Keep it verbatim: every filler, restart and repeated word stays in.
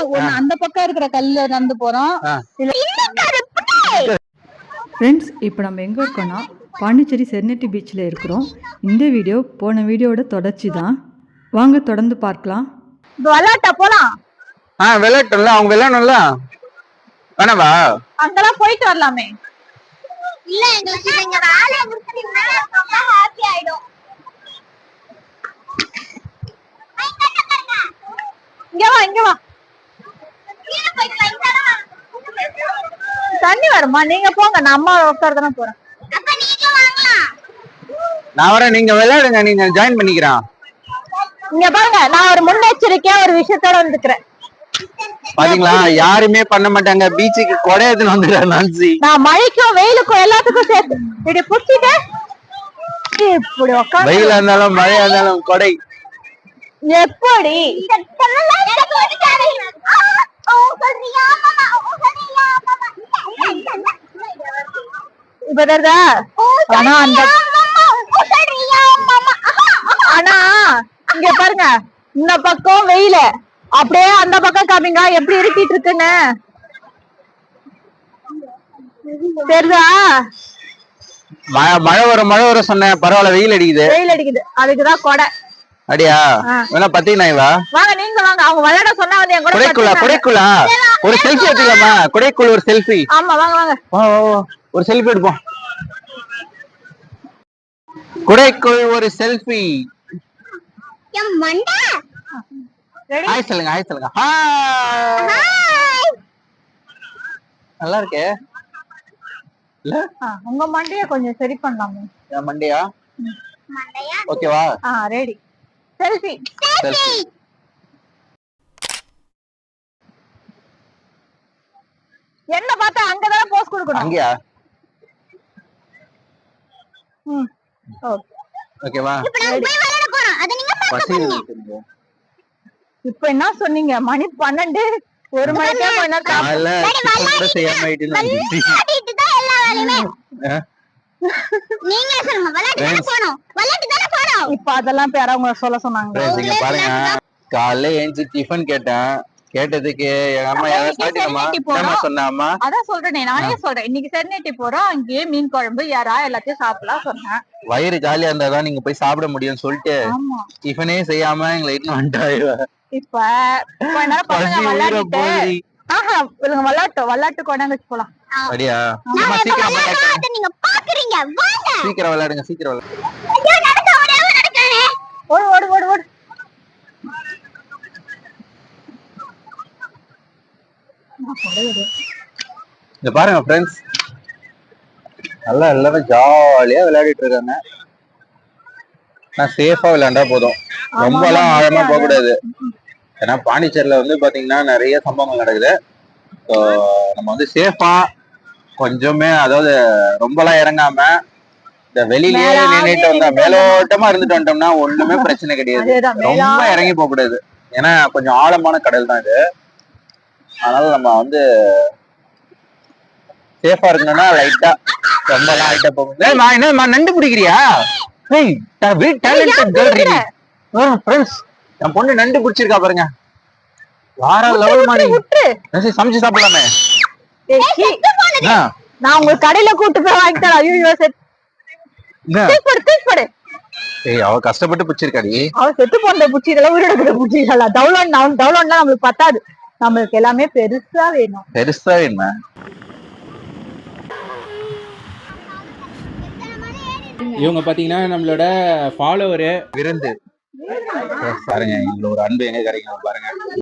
ஒண்ணு அந்த பக்கம் இருக்கிற கல்ல நடந்து போறோம். ஃப்ரெண்ட்ஸ், இப்போ நம்ம எங்கே இருக்கோம்னா பாண்டிச்சேரி செர்னெட்டி பீச்சில் இருக்கிறோம். இந்த வீடியோ போன வீடியோட தொடர்ச்சி தான். வாங்க தொடர்ந்து பார்க்கலாம். விளையாட்டா போலாம். ஆ விளையாட்டுல அவங்க விளையாடணும்ல. வேணாவா? அங்கெல்லாம் போயிட்டு வரலாமே. இல்ல எங்களுக்கு நீங்க வேலைய முடிச்சிட்டீங்கன்னா ரொம்ப ஹாப்பி ஆயிடும். இங்க வா இங்க வா. தண்ணி வருமா? நீங்க போங்க, நான் அம்மா உட்கார்தானே போறேன். அப்ப நீங்க வாங்கலாம். நான் வரேன், நீங்க விளையாடுங்க, நீங்க ஜாயின் பண்ணிக்கிறேன். இங்க பாருங்க, நான் ஒரு முன்னெச்சரிக்கையா ஒரு விஷயத்தோட வந்துக்கிறேன். பாத்தீங்களா, யாருமே பண்ண மாட்டாங்க. பீச்சுக்கு கொடை எடுத்துன்னு வந்துடுறேன் நான்சி. நான் மழைக்கும் வெயிலுக்கும் எல்லாத்துக்கும் சேர்த்து இப்படி புடிச்சிட்டு இப்படி உட்காந்து, வெயிலா இருந்தாலும் மழையா இருந்தாலும் கொடை. எப்படி இப்ப தெரியுதா? ஆனா அந்த ஆனா இங்க பாருங்க, இந்த பக்கம் வெயில அப்படியே அந்த பக்கம் காமிங்க எப்படி இருக்கிட்டு இருக்குன்னு. தெரியுதா? மழை வரும் மழை வரும் சொன்னேன், பரவாயில்ல, வெயில் அடிக்குது. வெயில் அடிக்குது, அதுக்குதான் கொடை. அடியா வேணா பத்தினா இவா வாங்க, நீங்க வாங்க. அவங்க விளையாட சொன்னா வந்து என் கூட குடைக்குள்ளா குடைக்குள்ளா ஒரு செல்ஃபி எடுத்துக்கலாமா? குடைக்குள்ள ஒரு செல்ஃபி. ஆமா வாங்க வாங்க, ஒரு செல்ஃபி எடுப்போம். குடைக்குள் ஒரு செல்ஃபி. என் மண்டை. ஹாய் சொல்லுங்க, ஹாய் சொல்லுங்க. ஹாய். நல்லா இருக்கே. இல்ல உங்க மண்டைய கொஞ்சம் சரி பண்ணலாமே. என் மண்டையா? மண்டையா? ஓகேவா? ஆ ரெடி. Selfie selfie. என்ன பார்த்தா அங்கதான் போஸ் கொடுக்கணும். அங்கயா? ம் ஓகே. ஓகேவா? இப்போ நான் போய் விளையாட போறோம். அத நீங்க பார்க்க போறீங்க. இப்போ என்ன சொன்னீங்க? மணி பன்னெண்டு, ஒரு மணிக்கே போனா காலைல கூட செய்யாம ஆயிட்டு விளையாடிட்டு தான் எல்லா வேலையுமே. நீங்க சொல்லுங்க, விளையாட்டு தான போறோம். விளையாட்டு தான போறோம். இப்போ அதெல்லாம் பேர அவங்க சொல்ல சொன்னாங்க. நீங்க பாருங்க, காலைல ஏஞ்சி டிஃபன் கேட்டேன். கேட்டதுக்கு எங்க அம்மா ஏதாவது சாப்பிட்டீங்கம்மா என்ன சொன்னாமா? அதான் சொல்றேனே, நானே சொல்றேன். இன்னைக்கு செர்னெட்டி போறோம், அங்கேயே மீன் குழம்பு யாரா எல்லாத்தையும் சாப்பிடலாம் சொன்னேன். வயிறு ஜாலியா இருந்தாதான் நீங்க போய் சாப்பிட முடியும்னு சொல்லிட்டு டிஃபனே செய்யாம எங்களை இட்டுன்னு வந்துட்டாங்க. இப்ப கொஞ்ச நேரம் பசங்க விளையாடிட்டு, ஆஹா இவங்க விளையாட்டு விளையாட்டு கொண்டாந்து வச்சு போலாம். அப்படியா? சீக்கிரம் விளையாடுங்க. நீங்க பாக்குறீங்க, வாங்க. சீக்கிரம் விளையாடுங்க, சீக்கிரம் விளையாடுங்க. ஐயோ நடக்க ஓடவே நடக்கானே. ஓடு ஓடு ஓடு ஓடு. இங்க பாருங்க ஃப்ரெண்ட்ஸ், நல்லா எல்லாரும் ஜாலியா விளையாடிட்டு இருக்காங்க. நான் சேஃபா விளையாண்டா போதும், ரொம்ப எல்லாம் ஆழமா போக கூடாது. ஏன்னா பாண்டிச்சேரியில வந்து பாத்தீங்கன்னா நிறைய சம்பவங்கள் நடக்குது. ஸோ நம்ம வந்து சேஃபா கொஞ்சமே, அதாவது ரொம்ப எல்லாம் இறங்காம இந்த வெளியிலேயே நின்றுட்டு வந்தா, மேலோட்டமா இருந்துட்டு வந்துட்டோம்னா ஒண்ணுமே பிரச்சனை கிடையாது. ரொம்ப இறங்கி போக கூடாது, ஏன்னா கொஞ்சம் ஆழமான கடல் தான் இது. அதனால நம்ம வந்து சேஃபா இருக்கணும்னா லைட்டா, ரொம்ப எல்லாம் லைட்டா போக. என்ன நண்டு பிடிக்கிறியா? என் பொண்ணு நண்டு பிடிச்சிருக்கா பாருங்க. வார லெவல் மாதிரி சமைச்சு சாப்பிடலாமே. நான் உங்க கடையில கூட்டு போய் வாங்கி தரேன். ஐயோ செட் தூக்கு தூக்கு போடு. ஏய், அவ கஷ்டப்பட்டு பிடிச்சிருக்காடி. அவ செத்து போன பிடிச்சிடலாம், உயிரோட பிடிச்சிடலாம். டவுன்லோட் டவுன்லோட்லாம் நம்மளுக்கு பத்தாது, நம்மளுக்கு எல்லாமே பெருசா வேணும். பெருசா வேணுமா? இவங்க பாத்தீங்கன்னா நம்மளோட ஃபாலோவர் விருந்து. பாருங்க, இவ்வளவு ஒரு அன்பு எங்க கிடைக்கும் பாருங்க.